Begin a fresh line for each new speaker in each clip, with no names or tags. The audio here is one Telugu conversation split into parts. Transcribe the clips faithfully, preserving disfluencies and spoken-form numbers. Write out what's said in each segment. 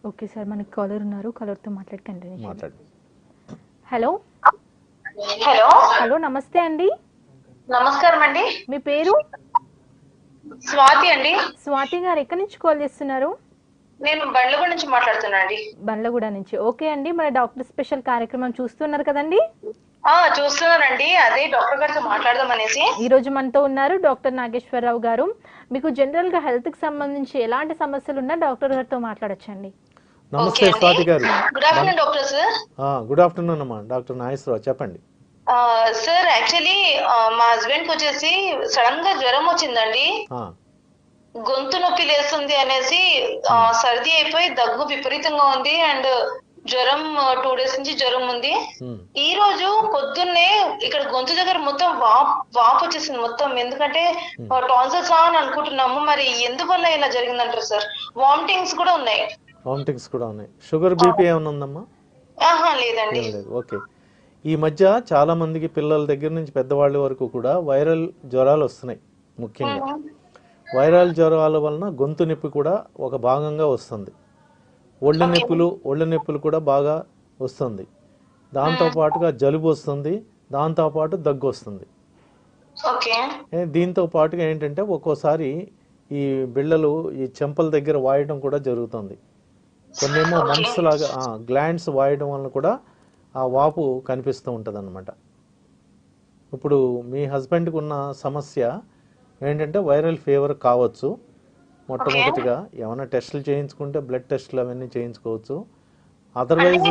ఓకే సార్, మనకి కాలర్ ఉన్నారు, కాలర్తో మాట్లాడి కంటిన్యూ
మాట్లాడు.
హలో
హలో
హలో నమస్తే అండి.
నమస్కారం అండి.
మీ పేరు?
స్వాతి అండి.
స్వాతి గారు ఎక్కడి నుంచి కాల్ చేస్తున్నారు?
నేను బండ్లగూడ నుంచి మాట్లాడుతున్నా అండి.
బండ్లగూడ నుంచి. ఓకే అండి, మన డాక్టర్ స్పెషల్ కార్యక్రమం చూస్తున్నారు కదండి?
ఆ చూస్తున్నానండి, అదే డాక్టర్ గారితో మాట్లాడదాం అనేసి.
ఈ రోజు మనతో ఉన్నారు డాక్టర్ నాగేశ్వరరావు గారు. మీకు జనరల్ గా హెల్త్ కి సంబంధించి ఎలాంటి సమస్యలు ఉన్నా డాక్టర్ గారితో మాట్లాడొచ్చండి.
నమస్తే Swathi garu.
Good afternoon doctor sir.
Good afternoon అమ్మా, డాక్టర్ నాగేశ్వరరావు చెప్పండి.
సార్ యాక్చువల్లీ మా హస్బెండ్ కి వచ్చేసి సడన్ గా జ్వరం వచ్చిందండి, గొంతు నొప్పి లేస్తుంది అనేసి, సర్ది అయిపోయి దగ్గు విపరీతంగా ఉంది అండ్ జ్వరం టూ డేస్ నుంచి జ్వరం ఉంది. ఈ రోజు పొద్దున్నే ఇక్కడ గొంతు దగ్గర మొత్తం వాప్ వాపు వచ్చేసింది మొత్తం. ఎందుకంటే టాన్సిల్స్ అని అనుకుంటున్నాము, మరి ఎందువల్ల ఇలా జరిగిందంటారు సార్? వామిటింగ్స్ కూడా ఉన్నాయి.
వామిటింగ్స్ కూడా ఉన్నాయి. షుగర్ బీపీ ఏమైనా ఉందమ్మా?
ఆహా లేదండి.
లేదు. ఓకే. ఈ మధ్య చాలా మందికి పిల్లల దగ్గర నుంచి పెద్దవాళ్ళ వరకు కూడా వైరల్ జ్వరాలు వస్తున్నాయి. ముఖ్యంగా వైరల్ జ్వరాల వలన గొంతు నొప్పి కూడా ఒక భాగంగా వస్తుంది. ఒళ్ళు నొప్పులు ఒళ్ళు నొప్పులు కూడా బాగా వస్తుంది. దాంతోపాటుగా జలుబు వస్తుంది, దాంతోపాటు దగ్గు వస్తుంది. దీంతో పాటుగా ఏంటంటే ఒక్కోసారి ఈ బిళ్ళలు ఈ చెంపల దగ్గర వాయడం కూడా జరుగుతుంది. కొన్నేమో మంప్స్ లాగా గ్లాండ్స్ వాయడం వలన కూడా ఆ వాపు కనిపిస్తూ ఉంటుంది అన్నమాట. ఇప్పుడు మీ హస్బెండ్కి ఉన్న సమస్య ఏంటంటే వైరల్ ఫీవర్ కావచ్చు. మొట్టమొదటిగా ఏమైనా టెస్టులు చేయించుకుంటే బ్లడ్ టెస్టులు అవన్నీ చేయించుకోవచ్చు. అదర్వైజ్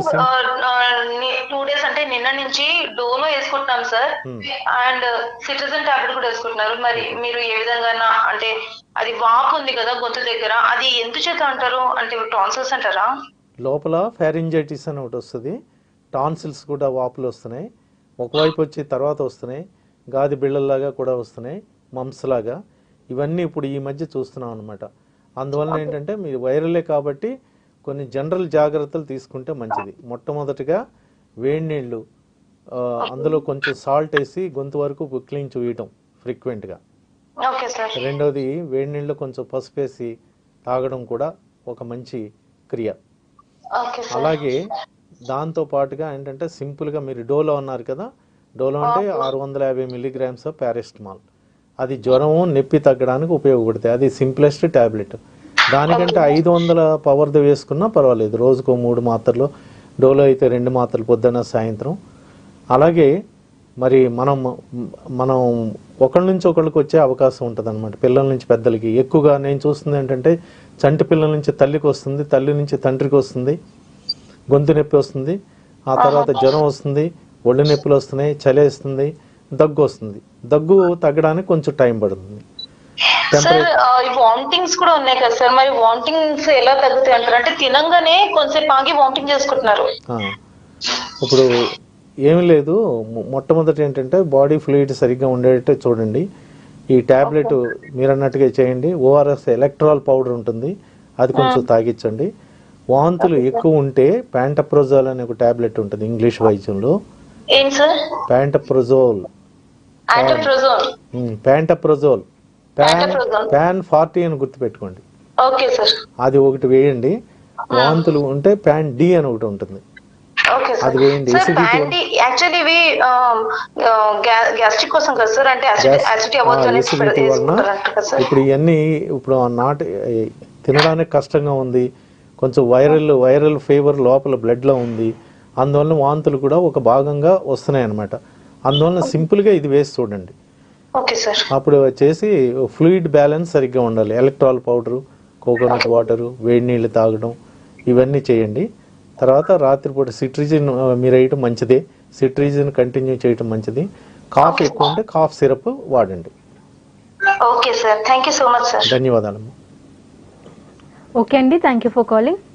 టూ డేస్ అంటే నిన్న నుంచి డోలో వేసుకుంటున్నాం సార్, అండ్ సిట్రజిన్ టాబ్లెట్ కూడా వేసుకుంటున్నారు. మరి మీరు ఏ విధంగా, అంటే అది వాపు ఉంది కదా గొంతు దగ్గర, అది ఎందుచేత అంటారు? అంటే టాన్సిల్స్ అంటారా?
లోపల ఫారింజైటిస్ అని ఒకటి వస్తుంది, టాన్సిల్స్ కూడా వాపులు వస్తున్నాయి. ఒకవైపు వచ్చి తర్వాత వస్తున్నాయి, గాది బిళ్ళల్లాగా కూడా వస్తున్నాయి, మంప్స్ లాగా. ఇవన్నీ ఇప్పుడు ఈ మధ్య చూస్తున్నాం అనమాట. అందువలన ఏంటంటే మీరు వైరలే కాబట్టి కొన్ని జనరల్ జాగ్రత్తలు తీసుకుంటే మంచిది. మొట్టమొదటిగా వేడి నీళ్ళు, అందులో కొంచెం సాల్ట్ వేసి గొంతు వరకు క్లీన్ చేయటం ఫ్రీక్వెంట్గా. రెండోది వేడి నీళ్ళు కొంచెం పసుపు వేసి తాగడం కూడా ఒక మంచి క్రియ. అలాగే దాంతో పాటుగా ఏంటంటే సింపుల్గా మీరు డోలో అన్నారు కదా, డోలో అంటే ఆరు వందల యాభై మిల్లీగ్రామ్స్ ఆఫ్ పారాసిటమాల్. అది జ్వరం నొప్పి తగ్గడానికి ఉపయోగపడుతుంది. అది సింప్లెస్ట్ ట్యాబ్లెట్. దానికంటే ఐదు వందల పవర్ది వేసుకున్నా పర్వాలేదు. రోజుకో మూడు మాత్రలు, డోలో అయితే రెండు మాత్రలు పొద్దున్న సాయంత్రం. అలాగే మరి మనం మనం ఒకళ్ళ నుంచి ఒకళ్ళకి వచ్చే అవకాశం ఉంటుంది అనమాట. పిల్లల నుంచి పెద్దలకి ఎక్కువగా నేను చూస్తుంది ఏంటంటే చంటి పిల్లల నుంచి తల్లికి వస్తుంది, తల్లి నుంచి తండ్రికి వస్తుంది, గొంతు నొప్పి వస్తుంది, ఆ తర్వాత జ్వరం వస్తుంది, ఒళ్ళు నొప్పులు వస్తున్నాయి, చలి వేస్తుంది, దగ్గు వస్తుంది. దగ్గు తగ్గడానికి కొంచెం టైం పడుతుంది.
వామిటింగ్స్ కూడా ఉన్నాయి కదా సార్, మరి వామిటింగ్స్ ఎలా తగ్గుతాయి అంటారు? అంటే తినంగానే కొంచెంసేపు ఆగి వామిటింగ్ చేసుకుంటున్నారు.
ఇప్పుడు ఏమి లేదు, మొట్టమొదటి ఏంటంటే బాడీ ఫ్లూయిడ్ సరిగ్గా ఉండేటట్టు చూడండి. ఈ ట్యాబ్లెట్ మీరు అన్నట్టుగా చేయండి. ఓఆర్ఎస్ ఎలక్ట్రాల్ పౌడర్ ఉంటుంది, అది కొంచెం తాగించండి. వాంతులు ఎక్కువ ఉంటే ప్యాంటప్రోజోల్ అనే ఒక ట్యాబ్లెట్ ఉంటుంది ఇంగ్లీష్ వైద్యంలో. Pantoprazole pantoprazole pan pan forty అని గుర్తుపెట్టుకోండి. అది ఒకటి వేయండి. వాంతులు ఉంటే ప్యాన్ డి అని ఒకటి ఉంటుంది, అది వేయండి. ఇప్పుడు ఇవన్నీ ఇప్పుడు నాట్ తినడానికి కష్టంగా ఉంది, కొంచెం వైరల్ వైరల్ ఫీవర్ లోపల బ్లడ్లో ఉంది, అందువలన వాంతులు కూడా ఒక భాగంగా వస్తున్నాయి అన్నమాట. అందువలన సింపుల్గా ఇది వేసి చూడండి. అప్పుడు వచ్చేసి ఫ్లూయిడ్ బ్యాలెన్స్ సరిగ్గా ఉండాలి. ఎలక్ట్రాల్ పౌడరు, కోకోనట్ వాటరు, వేడి నీళ్ళు తాగడం, ఇవన్నీ చేయండి. తర్వాత రాత్రిపూట సిట్రిజిన్ మీరు వేయటం మంచిదే. సిట్రిజిన్ కంటిన్యూ చేయటం మంచిది. కాఫ్ ఎక్కువ ఉంటే కాఫ్ సిరప్ వాడండి.
ధన్యవాదాలు.
ఓకే అండి, థ్యాంక్ యూ ఫర్ కాలింగ్.